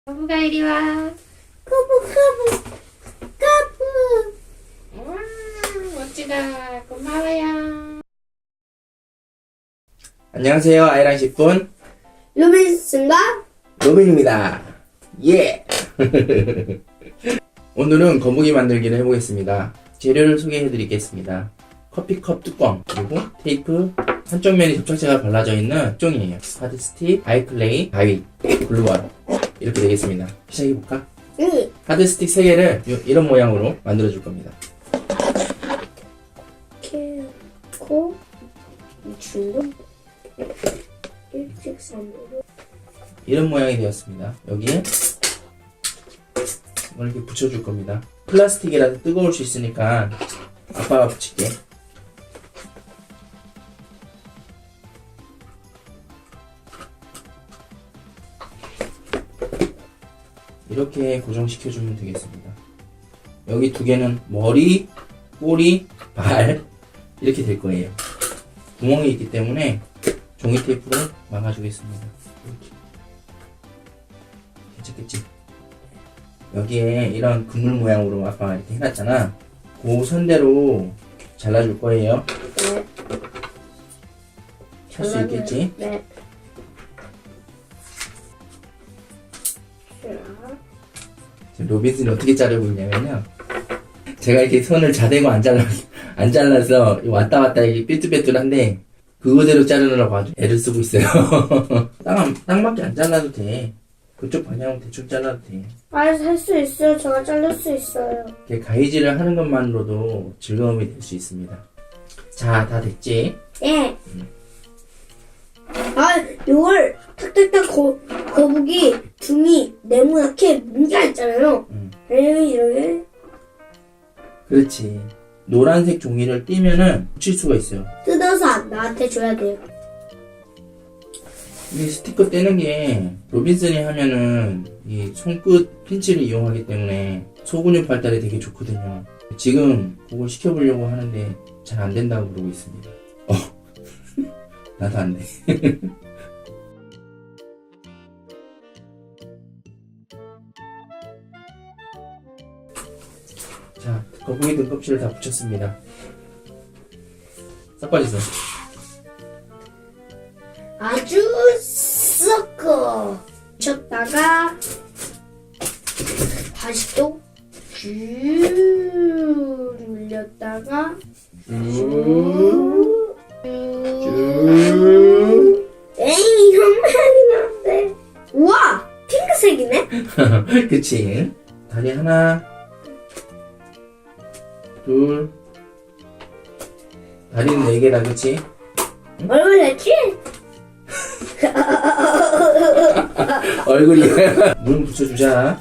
거북아 이리 와. 거북. 와, 멋지다. 고마워요. 안녕하세요. 아이랑 10분 루빈스인가? 로빈입니다. 예! 오늘은 거북이 만들기를 해보겠습니다. 재료를 소개해 드리겠습니다. 커피컵 뚜껑, 그리고 테이프, 한쪽 면이 접착제가 발라져 있는 종이에요. 하드 스틱, 아이클레이, 가위, 글루건 이렇게 되겠습니다. 시작해볼까? 응. 하드 스틱 3개를 이런 모양으로 만들어 줄 겁니다. 이렇게 놓고 이 줄로 일직선으로 이런 모양이 되었습니다. 여기에 이걸 이렇게 붙여줄 겁니다. 플라스틱이라서 뜨거울 수 있으니까 아빠가 붙일게. 이렇게 고정시켜주면 되겠습니다. 여기 두 개는 머리, 꼬리, 발 이렇게 될 거예요. 구멍이 있기 때문에 종이 테이프로 막아주겠습니다. 이렇게. 괜찮겠지? 여기에 이런 그물 모양으로 아빠가 이렇게 해놨잖아. 그 선대로 잘라줄 거예요. 네. 할 수 있겠지? 네. 로빈슨이 어떻게 자르고 있냐면요. 제가 이렇게 손을 자대고 안 잘라서 왔다 갔다 이게 삐뚤빼뚤한데 그거대로 자르느라고 아주 애를 쓰고 있어요. 딱 맞게 안 잘라도 돼. 그쪽 방향으로 대충 잘라도 돼. 할 수 있어요. 제가 자를 수 있어요. 이렇게 가위질을 하는 것만으로도 즐거움이 될 수 있습니다. 자, 다 됐지? 예. 이걸 탁탁탁 거북이 등이 네모나게 문가 있잖아요. 이렇게 그렇지. 노란색 종이를 띄면은 붙일 수가 있어요. 뜯어서 나한테 줘야 돼요. 이 스티커 떼는 게 로빈슨이 하면은 이 손끝 핀치를 이용하기 때문에 소근육 발달에 되게 좋거든요. 지금 그걸 시켜보려고 하는데 잘 안 된다고 그러고 있습니다. 나도 안 돼. 자, 거북이 등껍질을 다 붙였습니다. 섞어주세요. 아주 섞어 쳤다가 다시 또 쭉 눌렸다가 쭉 에이 형만이 나는데 우와 핑크색이네. 그치? 다리 하나, 둘, 다리는 4개다, 그치? 얼굴 됐지? 얼굴이 물 붙여주자.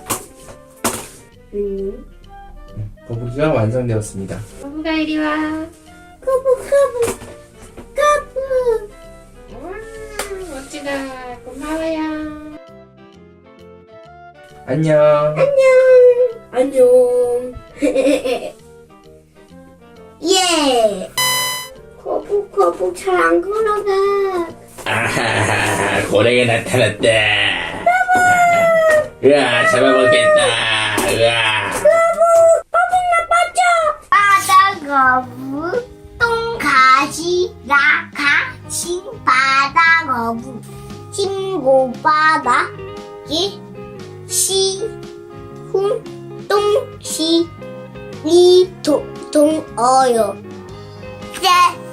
거북이가 완성되었습니다. 거북아 이리 와. 거북 와, 멋지다. 고마워요. 안녕. 안녕. 예. 거북 잘 안 걸어가. 아하하, 고래가 나타났다. 으아, 잡아먹겠다. 으아. 바다거북 똥가시 라가신 바다거북 친고바닥에 시훈 똥시 리동어요 쎄